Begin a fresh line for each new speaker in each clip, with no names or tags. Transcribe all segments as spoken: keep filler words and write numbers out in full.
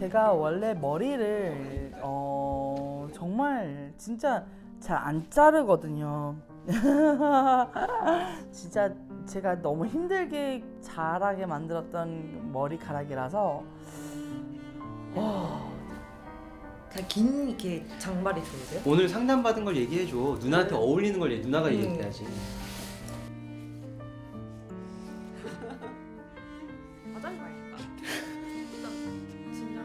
제가 원래 머리를 어 정말 진짜 잘 안 자르거든요. 진짜 제가 너무 힘들게 자라게 만들었던 머리카락이라서 와,
그냥 긴 이렇게 장발이 좋으세요?
오늘 상담받은 걸 얘기해줘. 누나한테 어울리는 걸 얘기- 누나가
음.
얘기해야지.
화장실 가야겠다. 진짜.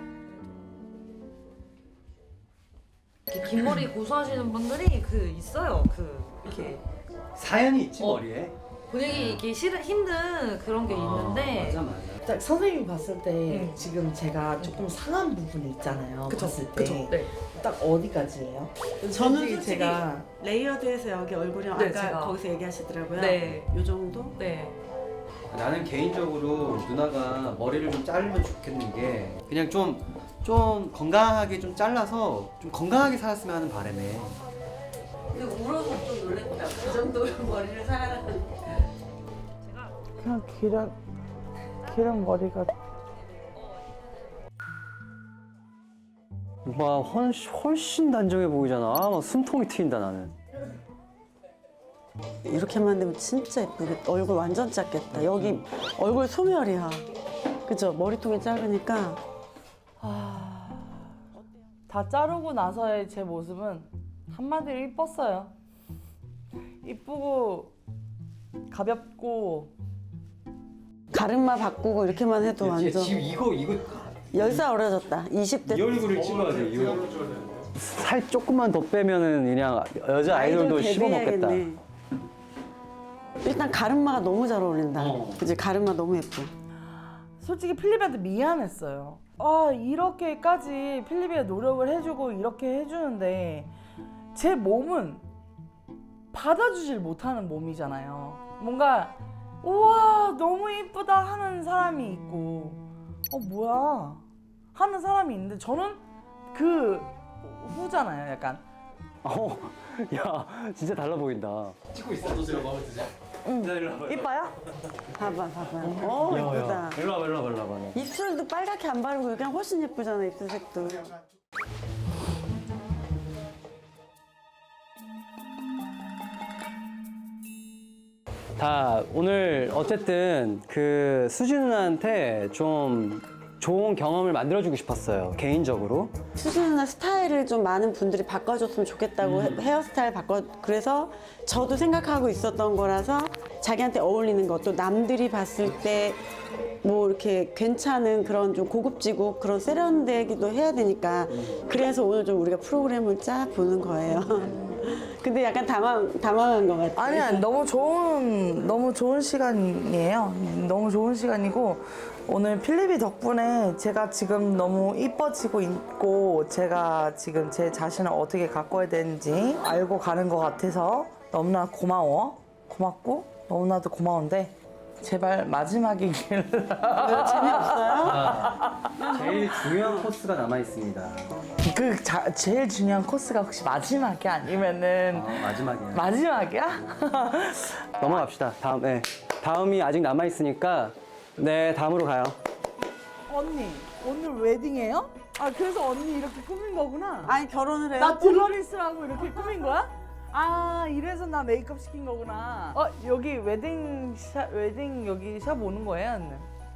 이렇게 긴 머리 고수하시는 분들이 그 있어요. 그 이렇게
사연이 있지
어.
머리에.
보내기 이게 싫은 힘든 그런 게 있는데.
아, 맞아 맞아.
딱 선생님이 봤을 때
음.
지금 제가 조금 상한 부분이 있잖아요.
그쵸,
봤을 때.
그쵸. 네.
딱 어디까지예요?
저는
솔직히
솔직히
제가
레이어드해서 여기 얼굴이랑
네,
아까
제가.
거기서 얘기하시더라고요.
네.
요 정도?
네.
나는 개인적으로 누나가 머리를 좀 자르면 좋겠는 게 그냥 좀 좀 건강하게 좀 잘라서 좀 건강하게 살았으면 하는 바람에.
근데 울어서 좀 놀랬다. 그 정도로 머리를 사랑하는.
그냥 기름 기름 머리가
막 훨씬, 훨씬 단정해 보이잖아. 아, 막 숨통이 트인다 나는.
이렇게만 되면 진짜 예쁘겠다. 얼굴 완전 작겠다. 여기 얼굴 소멸이야. 그죠? 머리통이 작으니까.
다 자르고 나서의 제 모습은 한마디로 이뻤어요. 이쁘고 가볍고
가르마 바꾸고 이렇게만 해도 완전
지금 이거 이거
열 살 어려졌다. 이십 대
이 얼굴을 찍어야 돼. 이 얼굴. 살 조금만 더 빼면은 그냥 여자 아이돌도 씹어 먹겠다.
데뷔해야겠네. 일단 가르마가 너무 잘 어울린다.
어.
그지? 가르마 너무 예뻐.
솔직히 필립한테 미안했어요. 아 이렇게까지 필립이 노력을 해주고 이렇게 해주는데 제 몸은 받아주질 못하는 몸이잖아요. 뭔가 우와 너무 이쁘다 하는 사람이 있고 어 뭐야 하는 사람이 있는데 저는 그 후잖아요. 약간
어, 야, 진짜 달라 보인다. 찍고 있어. 너 제가 마음에 드지? 응. 야, 일로 와봐.
이뻐요?
봐봐, 봐봐. 어,
야,
예쁘다.
야. 일로 와봐, 일로 와봐, 일로 와봐.
입술도 빨갛게 안 바르고 그냥 훨씬 예쁘잖아, 입술색도.
다 오늘 어쨌든 그 수지 누나한테 좀 좋은 경험을 만들어주고 싶었어요. 개인적으로.
수지 누나 스타일을 좀 많은 분들이 바꿔줬으면 좋겠다고
음.
헤- 헤어스타일 바꿔 그래서 저도 생각하고 있었던 거라서 자기한테 어울리는 것도 남들이 봤을 때 뭐 이렇게 괜찮은 그런 좀 고급지고 그런 세련되기도 해야 되니까 그래서 오늘 좀 우리가 프로그램을 짜 보는 거예요. 근데 약간 당황 당황한 것 같아.
아니 아니 너무 좋은 너무 좋은 시간이에요. 너무 좋은 시간이고 오늘 필립이 덕분에 제가 지금 너무 이뻐지고 있고 제가 지금 제 자신을 어떻게 가꿔야 되는지 알고 가는 것 같아서 너무나 고마워. 고맙고 너무나도 고마운데 제발 마지막이길.
재미없어요?
제일 중요한 코스가 남아 있습니다.
그 자, 제일 중요한 코스가 혹시 마지막이 아니면은
어, 마지막이야.
마지막이야?
넘어갑시다. 다음, 네. 다음이 아직 남아 있으니까 네 다음으로 가요.
언니 오늘 웨딩이에요? 아 그래서 언니 이렇게 꾸민 거구나.
아니 결혼을 해요?
나 딜러리스라고 이렇게 꾸민 거야? 아 이래서 나 메이크업 시킨 거구나. 어 여기 웨딩 샵 웨딩 여기 샵 오는 거예요? 언니?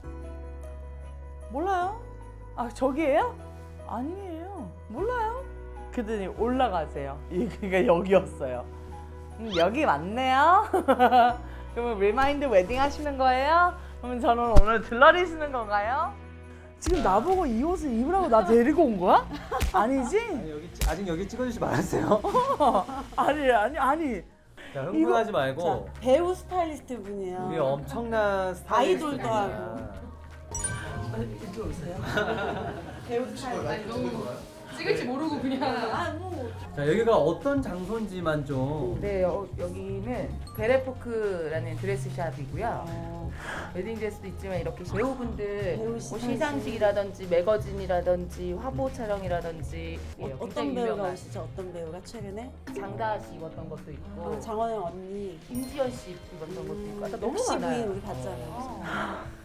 몰라요? 아 저기예요? 아니에요. 몰라요? 그랬더니 올라가세요. 그러니까 여기였어요. 음, 여기 맞네요. 그러면 리마인드 웨딩 하시는 거예요? 그러면 저는 오늘 들러리시는 건가요? 지금 나보고 이 옷을 입으라고 나 데리고 온 거야? 아니지?
아니, 여기, 아직 여기 찍어주지 말았어요.
아니 아니 아니.
자, 흥분하지 말고
자, 배우 스타일리스트 분이에요.
우리 엄청난 스타일리스트
아이돌도
분이야.
이쪽 오세요.
배우 스타일리스트.
찍을지 모르고 그냥.
자 여기가 어떤 장소인지만 좀.
네, 여, 여기는 베레포크라는 드레스샵이고요. 웨딩 드레스도 있지만 이렇게 배우분들
배우
뭐
시상식.
시상식이라든지 매거진이라든지 화보 촬영이라든지
어,
예,
어떤
굉장히
배우가
유명한
오시죠? 어떤 배우가 최근에?
장다아 씨 입었던 것도 있고
어, 장원영 언니.
임지연 씨 입었던 것도 있고 아까 너무
옥시 부인
많아요.
우리 봤잖아요.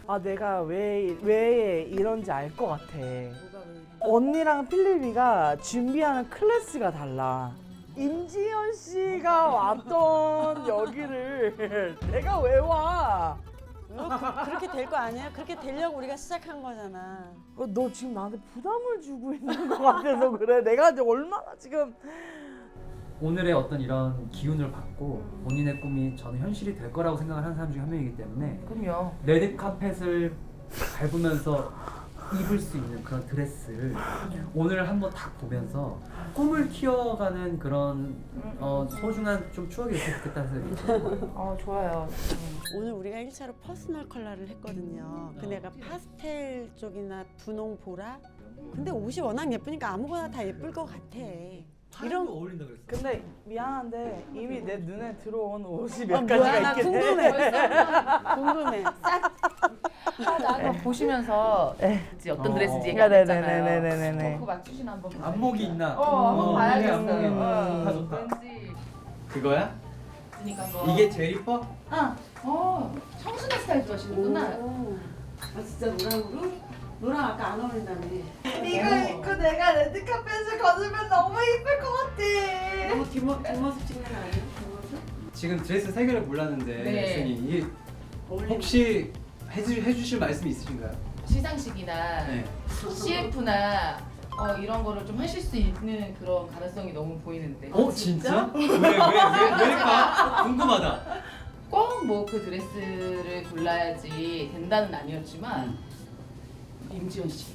아 내가 왜 왜 이런지 알 것 같아. 언니랑 필립이가 준비하는 클래스가 달라. 임지연 씨가 왔던 여기를 내가 왜 와?
그렇게 될 거 아니야? 그렇게 되려고 우리가 시작한 거잖아.
어, 너 지금 나한테 부담을 주고 있는 것 같아서 그래. 내가 이제 얼마나 지금
오늘의 어떤 이런 기운을 받고 본인의 꿈이 저는 현실이 될 거라고 생각을 하는 사람 중에 한 명이기 때문에
그럼요.
레드 카펫을 밟으면서 입을 수 있는 그런 드레스를 오늘 한번 딱 보면서 꿈을 키워가는 그런 어, 소중한 좀 추억이 됐으면 좋겠다는 생각이 들어요.
어 좋아요.
오늘 우리가 일 차로 퍼스널 컬러를 했거든요. 근데 약간 파스텔 쪽이나 분홍 보라? 근데 옷이 워낙 예쁘니까 아무거나 다 예쁠 것 같아. 이런
어울린다 그랬어.
근데 미안한데 이미 내 눈에 들어온 옷이 몇
아, 뭐야,
가지가
나
있긴 해.
궁금해. 궁금해. 싹
아, 나 아까 보시면서
네.
이제 어떤
어.
드레스인지
네,
얘기 안
네,
했잖아요.
네, 네, 네, 네, 네.
어, 그거 맞추시나 한번 보세요.
안목이 있나?
어, 한번
어,
봐야겠어요.
안목이 있나?
어,
좋다, 좋다.
왠지
그거야?
그러니까 한번.
이게 제일 이뻐?
아, 어, 청순한 스타일 좋아하시는구나.
아 진짜 노랑으로? 노랑 아까 안 어울린다며.
이거 입고 내가 레드카펫을 걸으면 너무 이쁠 것 같아.
너무 뒷모, 뒷모습 찍는 거 아니야? 뒷모습?
지금 드레스 세 개를 골랐는데
네.
선생님 이게
어울리는
혹시 해주, 해주실 말씀이 있으신가요?
시상식이나
네.
씨에프나 어, 이런 거를 좀 하실 수 있는 그런 가능성이 너무 보이는데.
어 진짜? 왜 왜 왜 왜일까? 궁금하다.
꼭 뭐 그 드레스를 골라야지 된다는 아니었지만 임지연 씨.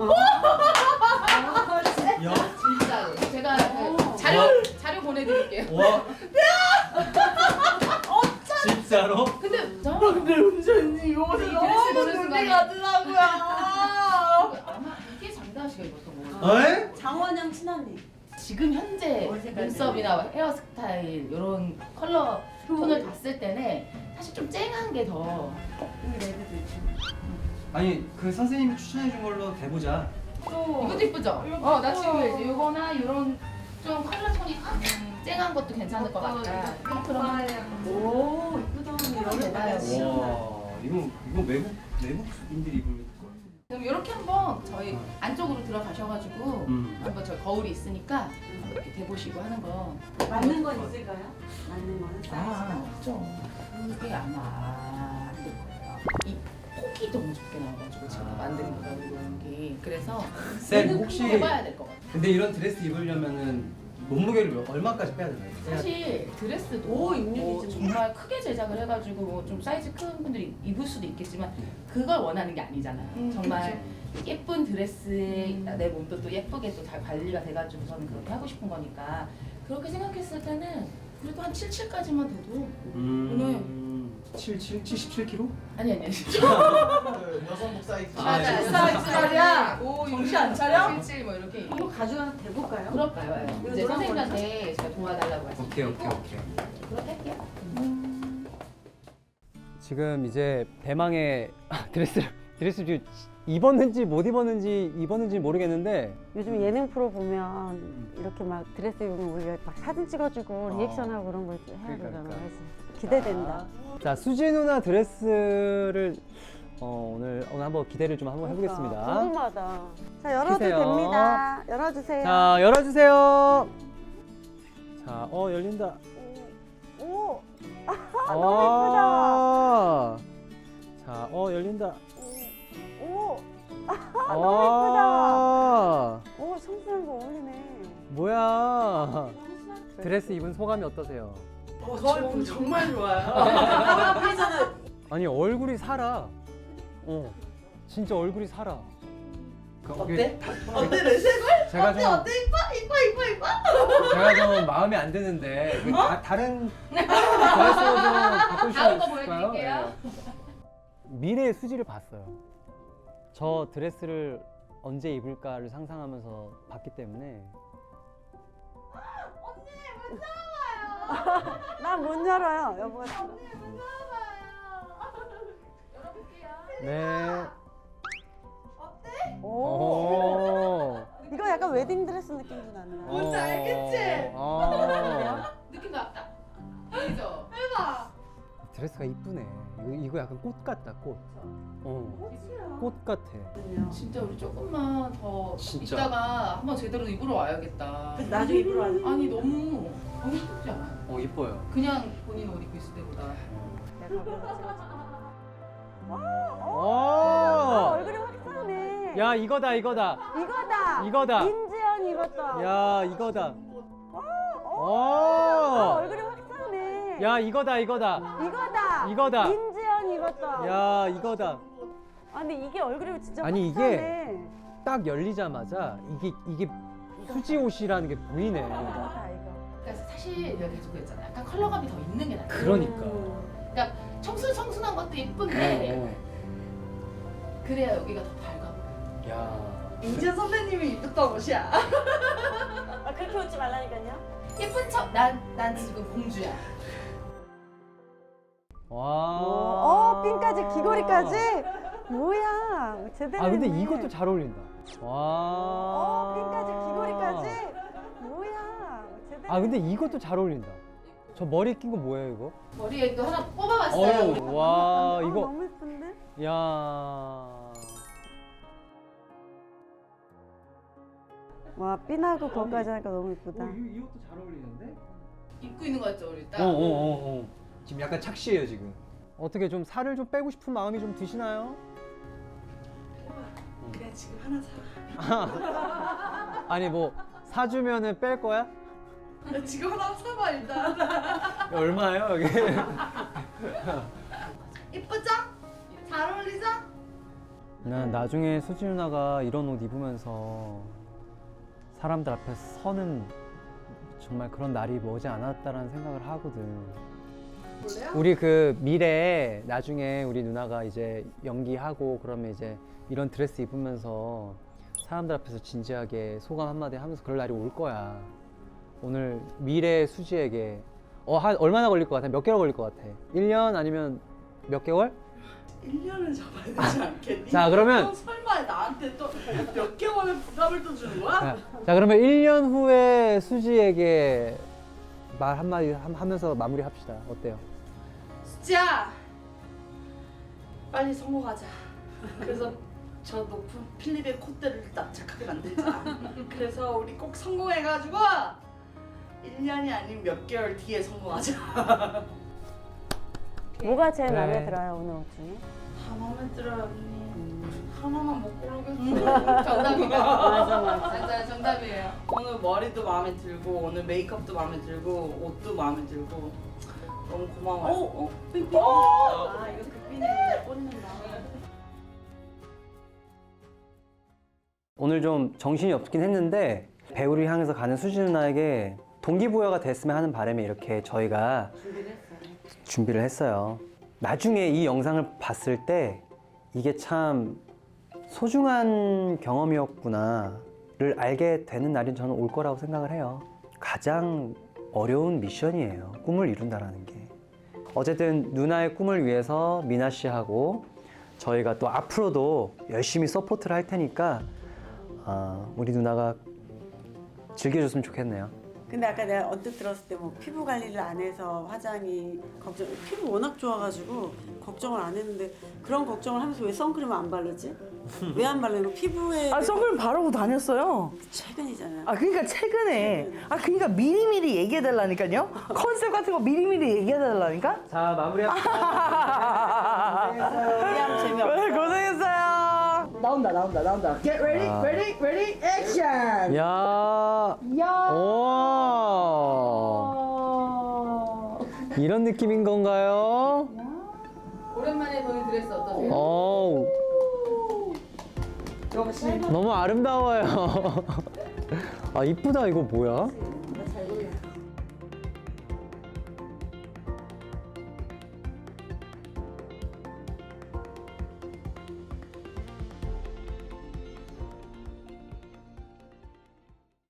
야,
진짜로. 제가 그 자료
와.
자료 보내드릴게요.
와. 진짜로?
근데 저
근데 은전이 이거
이 드레스 보는 순간에
가더라고요.
아마 이게 장다은 씨가 입었던 거예요.
에?
장원영 친언니.
지금 현재
어디 색깔
눈썹이나 헤어스타일 이런 컬러 톤을 봤을 때는 사실 좀 쨍한 게 더.
여기 레드도 있고.
아니 그 선생님이 추천해 준 걸로 대보자.
이것도 이쁘죠? 어, 나 지금 이제 이거나 이런 좀 컬러 톤이 확 쨍한 것도 괜찮을 것 같다. 그럼
오 이쁘다. 여름
봐요.
와, 이거 이거 외국 외국인들이 입을 거.
그럼 이렇게 한번 저희 안쪽으로 들어가셔가지고
음.
한번 저희 거울이 있으니까 한번 이렇게 대보시고 하는 거.
맞는 건 있을까요? 맞는 거는
아, 없죠. 그게 아마 안될 거예요. 이 폭이 너무 적게 나와가지고 제가 만든 거라고 이런 게. 그래서
쌤 혹시
해봐야 될 것 같아요.
근데 이런 드레스 입으려면은 몸무게를 몇- 얼마까지 빼야 되나요?
사실 드레스도
오, 육십이
뭐
좀
정말 크게 제작을 해가지고 뭐좀 사이즈 큰 분들이 입을 수도 있겠지만 그걸 원하는 게 아니잖아요. 정말 예쁜 드레스에 내 몸도 또 예쁘게 또 잘 관리가 돼가지고 저는 그렇게 하고 싶은 거니까 그렇게 생각했을 때는 그래도 한 칠십칠까지만 돼도
음. 칠, 칠, 칠십칠 킬로그램?
아니 아니 아니
여성복 사이즈.
맞아
예.
사이즈야 오
정신 안 차려?
칠칠 뭐 이렇게
한번 가져가 대볼까요?
그럴까요?
이거
이제
노란
선생님한테 제가 도와달라고 하시고
오케이 오케이 오케이.
그렇게 할게요.
지금 이제 대망의 드레스를 드레스 지금 입었는지 못 입었는지 입었는지 모르겠는데
요즘 예능 프로 보면 이렇게 막 드레스 입으면 우리가 막 사진 찍어주고
어.
리액션하고 그런 걸 해야
그러니까,
되잖아.
그러니까.
그래서 기대된다.
자 수지 누나 드레스를 어, 오늘 오늘 한번 기대를 좀 한번
그러니까,
해보겠습니다.
궁금하다. 자 열어도
키세요.
됩니다. 열어주세요.
자 열어주세요. 자 어 열린다.
오,
너무 예쁘다. 자 어 열린다.
오,
아
오 청순한 거 어울리네.
뭐야? 드레스 입은 소감이 어떠세요?
저 정말 좋아요.
아니 얼굴이 살아. 어, 진짜 얼굴이 살아.
어때? 어때 내 색깔?
제가
어때
좀
어때 이뻐 이뻐 이뻐 이뻐.
제가 좀 마음에 안 드는데 그 다, 다른 드레스로 좀 바꿀 수
다음 거
있을까요?
보여드릴게요.
네. 미래의 수지를 봤어요. 저 드레스를 언제 입을까를 상상하면서 봤기 때문에
난 못 열어요. 여보가.
네.
오,
오.
이거 약간 웨딩 드레스 느낌도 난다.
뭔지 알겠지? 어.
느낌 났다. 보이죠?
드레스가 이쁘네. 예쁘네. 이거, 이거 약간 꽃 같다, 꽃. 어, 꽃 같아.
진짜 우리 조금만 더
진짜.
있다가 한번 제대로 입으러 와야겠다.
나중에 입으러 와야 돼.
아니 너무 너무 예쁘지 않아?
어 이뻐요.
그냥 본인 옷 입고 있을 때보다.
오!
얼굴이 확 싸네.
야, 이거다, 이거다.
이거다.
이거다.
인지연 이것도.
야, 이거다. 오!
얼굴이 확 싸네.
야, 이거다, 이거다.
이거다.
이거다.
인지연 이것도.
야, 이거다.
아 근데 이게 얼굴이 진짜
아니,
확
이게
싸네.
딱 열리자마자 이게 이게 수지 옷이라는 게 보이네.
이거다 이거.
그러니까 사실 내가 계속 그랬잖아. 약간 컬러감이 더 있는 게 나아.
그러니까.
그러니까 청순 청순한 것도 예쁜데 그래야 여기가 더 밝아 보여.
야.
인지연 선배님이 입었던 옷이야.
아 그렇게 웃지 말라니까요.
예쁜 척. 난 난 지금 공주야.
와.
어 핀까지 귀걸이까지. 뭐야 제대로.
아, 근데
했네.
이것도 잘 어울린다. 와.
어 핀까지 귀걸이까지. 뭐야 제대로.
아, 근데 이것도 잘 어울린다. 저 머리에 낀 거 뭐예요, 이거?
머리에 또 하나 뽑아봤어요.
어유. 와,
어,
이거.
너무 예쁜데?
야.
와 핀하고 그거까지 하니까 너무 예쁘다.
이 옷도 잘 어울리는데?
입고 있는 거 같죠 우리 딱.
어, 어, 어, 어. 지금 약간 착시해요, 지금. 어떻게 좀 살을 좀 빼고 싶은 마음이 좀 드시나요?
그냥 지금 하나 사.
아니 뭐 사주면은 뺄 거야?
야, 지금 하나 사봐 일단.
얼마예요, 여기?
이쁘죠? 잘 어울리죠?
난 나중에 수지 누나가 이런 옷 입으면서 사람들 앞에 서는 정말 그런 날이 머지 않았다라는 생각을 하거든.
볼래요?
우리 그 미래에 나중에 우리 누나가 이제 연기하고 그러면 이제 이런 드레스 입으면서 사람들 앞에서 진지하게 소감 한마디 하면서 그럴 날이 올 거야. 오늘 미래 수지에게 어, 한 얼마나 걸릴 것 같아? 몇 개월 걸릴 것 같아? 일 년 아니면 몇 개월?
일 년을 잡아야 되지 않겠니?
자, 그러면-
너 설마 나한테 또 몇 개월의 부담을 또 주는 거야?
자, 자, 그러면 일 년 후에 수지에게 말 한마디 함- 하면서 마무리합시다. 어때요?
수지야, 빨리 성공하자. 그래서 저 높은 필립의 콧대를 납작하게 만들자. 그래서 우리 꼭 성공해가지고 일 년이 아닌 몇 개월 뒤에 성공하자.
뭐가 제일
그래.
마음에 들어요 오늘 옷 중에?
다 마음에 들어요 언니. 하나만 못 고르겠어.
정답이에요.
맞아 맞아.
맞아요, 정답이에요.
오늘 머리도 마음에 들고 오늘 메이크업도 마음에 들고 옷도 마음에 들고 너무 고마워요. 어? 어? 삐삐. 아 이거 삐삐는 꽂는다.
오늘 좀 정신이 없긴 했는데 배우를 향해서 가는 수지 누나에게 동기부여가 됐으면 하는 바람에 이렇게 저희가 준비를 했어요. 나중에 이 영상을 봤을 때 이게 참 소중한 경험이었구나를 알게 되는 날이 저는 올 거라고 생각을 해요. 가장 어려운 미션이에요. 꿈을 이룬다라는 게. 어쨌든 누나의 꿈을 위해서 미나 씨하고 저희가 또 앞으로도 열심히 서포트를 할 테니까 어, 우리 누나가 즐겨줬으면 좋겠네요.
근데 아까 내가 언뜻 들었을 때 뭐 피부 관리를 안 해서 화장이 걱정 피부 워낙 좋아가지고 걱정을 안 했는데 그런 걱정을 하면서 왜 선크림을 안 바르지? 왜 안 바르는 피부에
아, 선크림 바르고 다녔어요.
최근이잖아요.
아, 그러니까 최근에. 아, 그러니까 미리미리 얘기해달라니까요. 컨셉 같은 거 미리미리 얘기해달라니까.
자, 마무리합시다.
우리하면 재미없어.
네, 고생했어요. 나온다, 나온다, 나온다. Get ready,
아.
ready, ready, action.
야.
야.
오. 이런 느낌인 건가요?
오랜만에 보는 드레스 어떠세요?
어. 너무 아름다워요. 아, 이쁘다. 이거 뭐야?